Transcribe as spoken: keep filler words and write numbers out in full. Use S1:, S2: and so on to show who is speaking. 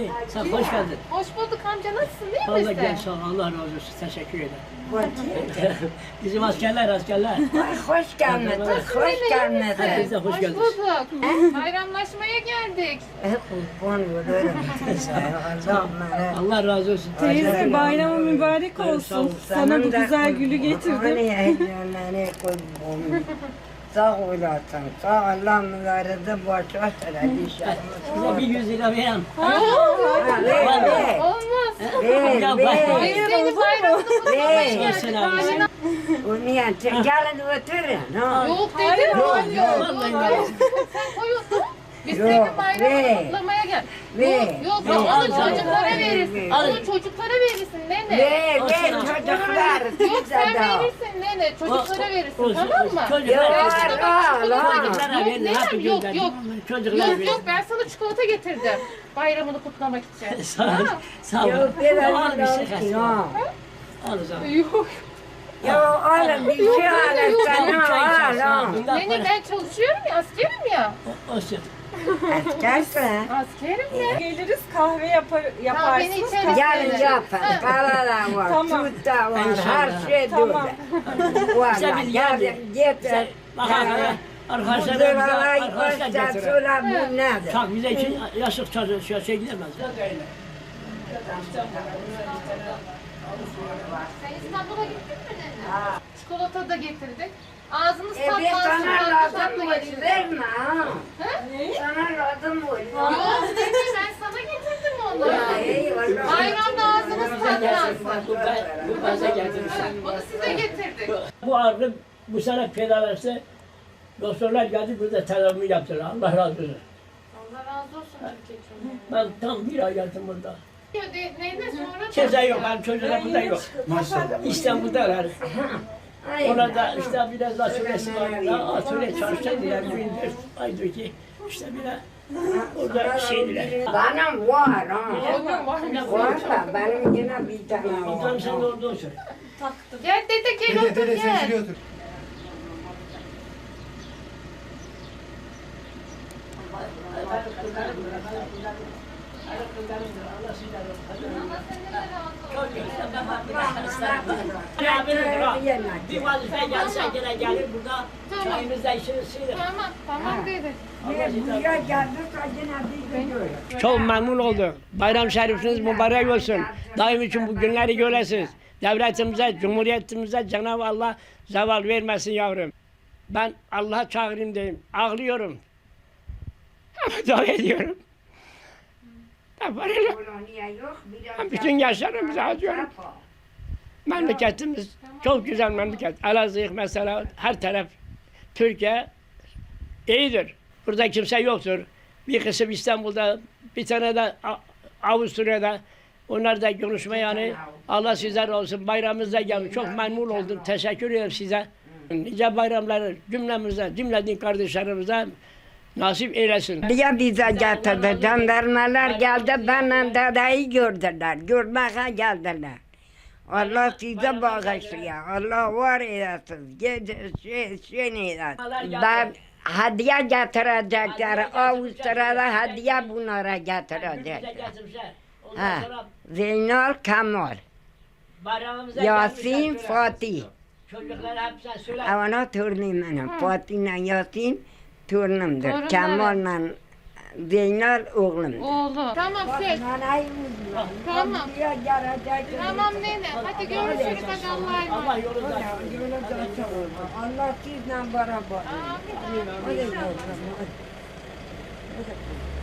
S1: İyi, sen hoş geldin.
S2: Hoş bulduk amca, nasılsın, değil
S1: Allah
S2: misin?
S1: gel sağ ol, Allah razı olsun, teşekkür ederim. Bizim askerler, askerler.
S3: Ay, hoş gelmedin, hoş gelmedin.
S1: Herkese hoş
S2: Hoş
S1: geldiniz.
S2: bulduk. Bayramlaşmaya geldik.
S3: Kurban olurum size. Allah merak.
S1: Allah razı olsun.
S4: Teyze bayramı mübarek
S1: sağ ol.
S4: olsun. Sana bu güzel gülü getirdim.
S3: Hani kurban. Sağ olasın. Sağ Allah mübarede başa
S1: Size bir yüz lira vereyim.
S3: Ver, ver.
S2: Olmaz.
S3: Ver,
S1: Ya,
S3: ver.
S2: Biz senin bayramını kutlamaya
S3: Ver.
S2: geldik.
S1: Sen abi.
S2: Bayram-
S3: Onu yani gelin oturun. Ha.
S2: Yok dedim.
S1: Yok,
S2: Yok,
S1: yok,
S2: yok,
S1: vallahi
S2: yok.
S1: yok.
S2: Sen koyuyorsun. Biz
S3: Yok,
S2: senin bayramını
S3: ver.
S2: kutlamaya gel.
S3: Ver.
S2: Yok, yok,
S1: Ver,
S2: onu
S1: al, al,
S2: çocuklara
S3: al.
S2: verirsin.
S1: Al.
S2: Onu çocuklara verirsin nene.
S3: Ver,
S1: Olsun
S3: ver
S1: ha.
S3: çocuklar.
S2: Yok sen
S3: Size de.
S2: verirsin nene. Çocuklara verirsin,
S1: Olsun,
S2: tamam
S1: olsun.
S2: mı?
S1: Çocuklar
S2: Ben
S3: Yok,
S2: sana bak
S3: al,
S2: çikolata
S3: al.
S2: getirdim.
S1: Çocuklara
S2: Yok
S1: verin,
S2: nene,
S1: hapı
S2: yok
S1: gönderdim.
S2: yok.
S1: Çocuklara
S2: Yok
S1: verin.
S2: yok, ben sana çikolata getirdim. Bayramını kutlamak için.
S1: Sağ ol,
S2: Ha?
S1: sağ ol.
S3: Yok, ver,
S1: Al bir şey
S3: al.
S1: kalsın.
S3: Yok.
S1: Al o zaman.
S2: Yok.
S3: Yok, alın bir şey alın
S1: Al,
S3: sana.
S1: çay
S3: Al,
S1: içersin, al.
S3: al.
S1: Bundan
S2: Nene
S1: para-
S2: ben çalışıyorum ya, askerim ya.
S1: O- Olsun.
S3: Askersin.
S2: Askerim ya.
S4: Geliriz kahve yapar,
S2: beni
S4: yaparsınız.
S2: içeri-
S4: kahve-
S3: Gelin yapın. Para da var,
S4: Tamam.
S3: süt de var,
S1: İnşallah.
S3: her şey
S4: Tamam.
S3: durdu. Valla
S1: Sen bir gel.
S3: gelin getir.
S1: Bak
S3: Para.
S1: arkadaşlar,
S3: Bu
S1: arkadaşlar
S3: zırhalayı
S1: arkadaşlar
S3: baştan
S1: getirin.
S3: sonra bu nedir?
S1: Çok bize için yaşlık çocuğu şey, şey gidemez.
S2: Sen İstanbul'a gittin mi nene? Çikolata da getirdik. Ağzınız
S3: E bir
S2: tatlansın,
S3: sana
S2: tatlı
S3: lazım
S2: tatlı
S3: mı?
S2: getirdik.
S3: Verme ha.
S2: Ha?
S3: Sana lazım mı?
S2: Yok nene, ben sana getirdim onları.
S3: Eyvallah.
S2: Bayramda ağzınız tatlansın.
S1: Bu, ben, bu baza getirmişler.
S2: Bunu size getirdik.
S1: Bu ağrı bu sene fedalaştı. Doktorlar geldi burada tedavimi yaptılar. Allah razı olsun.
S2: Allah razı olsun Türkiye
S1: Ben tam bir ay yattım burada.
S2: çocuğu. Neyine sonra da...
S1: Kimse yok, benim çocuklar burada yok. İstanbul'dalar. Orada işte biraz daha süresi var. Daha atölye çalışacaklar. Bir dört aydır ki işte biraz orada şeydiler.
S3: Benim var ha.
S2: Oğlum var mı?
S3: Var da benim yine bir tane
S1: Ondan sen de
S3: var.
S1: orada otur.
S2: Gel dede, gel otur gel.
S1: Bir vazife gelse gene gelir burada çayımızda içeriz sıyırır.
S2: Tamam, tamam dede.
S3: Buraya geldik yine bir gidiyor.
S1: Çok memnun oldum. Bayram şerifiniz mübarek olsun. Daim için bu günleri göresiniz. Devletimize, cumhuriyetimize Cenab-ı Allah zeval vermesin yavrum. Ben Allah'a çağırayım diyeyim. Ağlıyorum. Ama dua ediyorum. Ne var öyle? Ben bütün yaşlarımızı acıyorum. Memleketimiz çok güzel memleket. Elazığ mesela her taraf Türkiye iyidir. Burada kimse yoktur. Bir kısım İstanbul'da, bir tane de A- Avusturya'da. Onlar da konuşma yani. Allah sizler olsun. Bayramınızda geldim. Çok memnun oldum. Teşekkür ederim size. Nice bayramları cümlemize, cümle din kardeşlerimize nasip eylesin.
S3: Diye bize getirdi. Jandarmalar geldi. Benle dedeyi gördüler. Görmeye geldiler. Allah size bağışlıyor. Allah var eylesin. Gece şey, şey eylesin. Ben hediye getirecekler. Avusturya'da hediye bunlara getirecekler. Ha. Zeynal Kemal, Yasin Fatih.
S1: Çocuklar hepsine söyle.
S3: Avana torunum benim. Fatih'le Yasin torunumdur.
S2: Torunları.
S3: Kemal'le Zeynal oğlum.
S2: Oğlum. Tamam şey. Tamam. Tamam nene. Hadi görüşürüz. Hadi Allah'a emanet.
S1: Allah yolunda.
S3: Allah sizle beraber.
S2: Amin.
S3: Hadi bakalım.